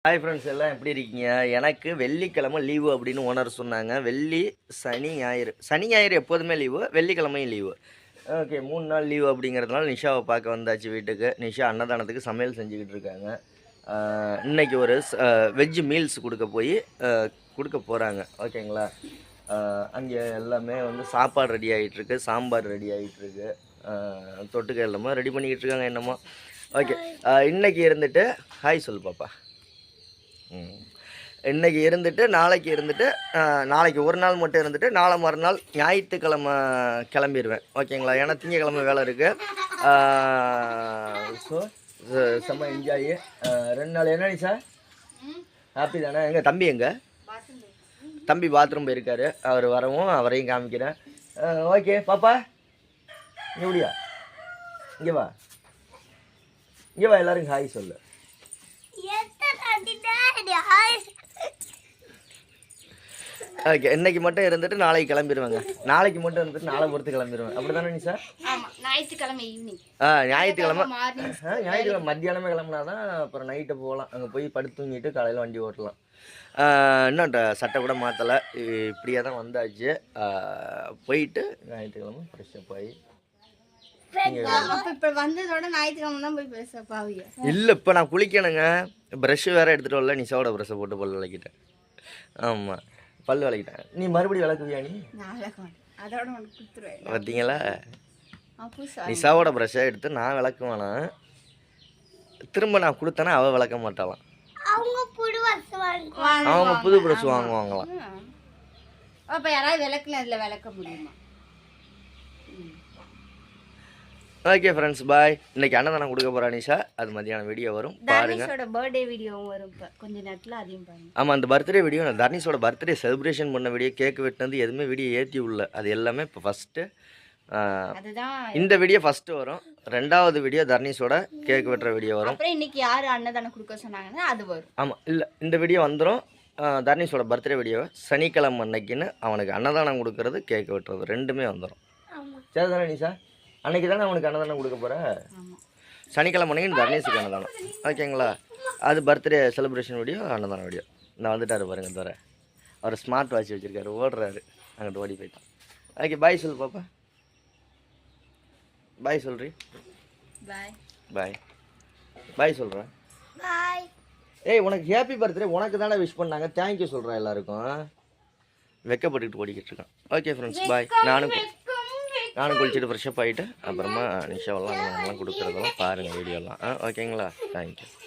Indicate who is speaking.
Speaker 1: Hi friends, எல்லாம் எப்படி இருக்கீங்க? எனக்கு வெள்ளிக்கிழமை லீவு அப்படின்னு ஓனர் சொன்னாங்க. வெள்ளி, சனி, ஞாயிறு. சனி ஞாயிறு எப்போதுமே லீவு, வெள்ளிக்கிழமையும் லீவு. ஓகே, 3 நாள் லீவு அப்படிங்கிறதுனால நிஷாவை பார்க்க வந்தாச்சு வீட்டுக்கு. நிஷா அன்னதானத்துக்கு சமையல் செஞ்சுக்கிட்டு இருக்காங்க. இன்றைக்கி ஒரு வெஜ்ஜு மீல்ஸ் கொடுக்க போகிறாங்க. ஓகேங்களா? அங்கே எல்லாமே வந்து சாப்பாடு ரெடி ஆகிட்டுருக்கு, சாம்பார் ரெடி ஆகிட்டுருக்கு, தொட்டுக்க எல்லாமே ரெடி பண்ணிக்கிட்டு இருக்காங்க என்னமோ. ஓகே, இன்றைக்கி இருந்துட்டு ஹாய் சொல்லு பாப்பா. இன்றைக்கி இருந்துட்டு நாளைக்கு ஒரு நாள் மட்டும் இருந்துட்டு நாளை மறுநாள் ஞாயிற்றுக்கிழமை கிளம்பிடுவேன். ஓகேங்களா? ஏன்னா திங்கக்கிழமை வேலை இருக்குது. ஸோ செம்ம என்ஜாய் 2 நாள். என்னடி சார் ஹாப்பி தானே? எங்கள் தம்பி தம்பி பாத்ரூம் போயிருக்காரு. அவர் வரவும் அவரையும் காமிக்கிறேன். ஓகே பாப்பா, இங்கே முடியா, இங்கே வா எல்லோரும் ஹாய் சொல்லு. ஓகே, இன்னைக்கு மட்டும் இருந்துட்டு நாளைக்கு கிளம்பிடுவாங்க. நாளைக்கு மட்டும் இருந்துட்டு நாளை பொறுத்து கிளம்பிடுவேன். அப்படி தானே சார்?
Speaker 2: ஞாயிற்றுக்கிழமை ஈவினிங்.
Speaker 1: ஞாயிற்றுக்கிழமை மத்தியானமே கிளம்புனா தான் அப்புறம் நைட்டு போகலாம். அங்கே போய் படுத்து தூங்கிட்டு காலையில் வண்டி ஓட்டலாம். இன்னும் சட்டை கூட மாற்றலை. இப்படியே தான் வந்தாச்சு. போயிட்டு ஞாயிற்றுக்கிழமை ஃப்ரெஷ்ஷப் ஆகி இல்லை, இப்போ நான் குளிக்கணுங்க. ப்ரெஷ்ஷு வேறு எடுத்துகிட்டு வரல. நிஷாவோட ப்ரெஷ்ஷை போட்டு பல் விளக்கிட்டேன். ஆமாம், பல் விளக்கிட்டேன். நீ மறுபடியும் விளக்குவியா? நீ பார்த்தீங்களா? நிஷாவோட ப்ரெஷ்ஷை எடுத்து நான் விளக்குவானா, திரும்ப நான் கொடுத்தேன்னா அவள் விளக்க மாட்டாளாம். அவங்க புது ப்ரெஷ் வாங்குவாங்களாம்.
Speaker 2: அப்போ யாராவது விளக்குல அதில் விளக்க முடியுமா?
Speaker 1: Okay friends, bye. இன்னைக்கு அன்னதானம் கொடுக்க போகிறா நிஷா. அது மதியானம் வீடியோ வரும் பாருங்க.
Speaker 2: பர்த்டே வீடியோவும் வரும் கொஞ்ச நேரத்தில், அதையும் பாருங்க.
Speaker 1: ஆமாம், அந்த பர்த்டே வீடியோ, நான் தர்னிஷோட பர்த்டே செலிப்ரேஷன் பண்ண வீடியோ, கேக் வெட்டினது எதுவுமே வீடியோ ஏற்றி உள்ள. அது எல்லாமே இப்போ ஃபஸ்ட்டு இந்த வீடியோ ஃபஸ்ட்டு வரும். 2வது வீடியோ தர்னிஷோட கேக் வெட்டுற வீடியோ வரும்.
Speaker 2: அப்புறம் இன்னைக்கு யார் அன்னதானம் கொடுக்க சொன்னாங்கன்னா அது வரும்.
Speaker 1: ஆமாம், இல்லை, இந்த வீடியோ வந்துடும். தர்னிஷோட பர்த்டே வீடியோ சனிக்கிழமை அன்னைக்குன்னு அவனுக்கு அன்னதானம் கொடுக்கறது, கேக் வெட்டுறது ரெண்டுமே வந்துடும். சரி தானே நிஷா? அன்றைக்கி தானே அவனுக்கு அன்னதானம் கொடுக்க போகிற. சனிக்கிழமை அன்னைக்கு தர்னேஷுக்கு அன்னதானம். ஓகேங்களா? அது பர்த்டே செலிப்ரேஷன் வீடியோ, அன்னதானம் வீடியோ. நான் வந்துட்டார் பாருங்க. தவிர அவர் ஸ்மார்ட் வாட்ச் வச்சுருக்காரு, ஓடுறாரு. அங்கிட்டு ஓடி போயிட்டான். ஓகே, பாய் சொல்லு பாப்பா. பாய் சொல்றி. பாய் சொல்கிறேன். ஏய், உனக்கு ஹாப்பி பர்த்டே. உனக்கு தானே விஷ் பண்ணாங்க. தேங்க்யூ சொல்கிறேன் எல்லாருக்கும். வெக்கப்பட்டுக்கிட்டு ஓடிக்கிட்டு இருக்கான். Okay friends, bye. நானும் குளிச்சுட்டு ஃப்ரெஷ்ஷப் ஆகிட்டு அப்புறமா நிஷாவெல்லாம் கொடுக்குறதெல்லாம் பாருங்கள் வீடியோலாம். ஓகேங்களா? தேங்க்யூ.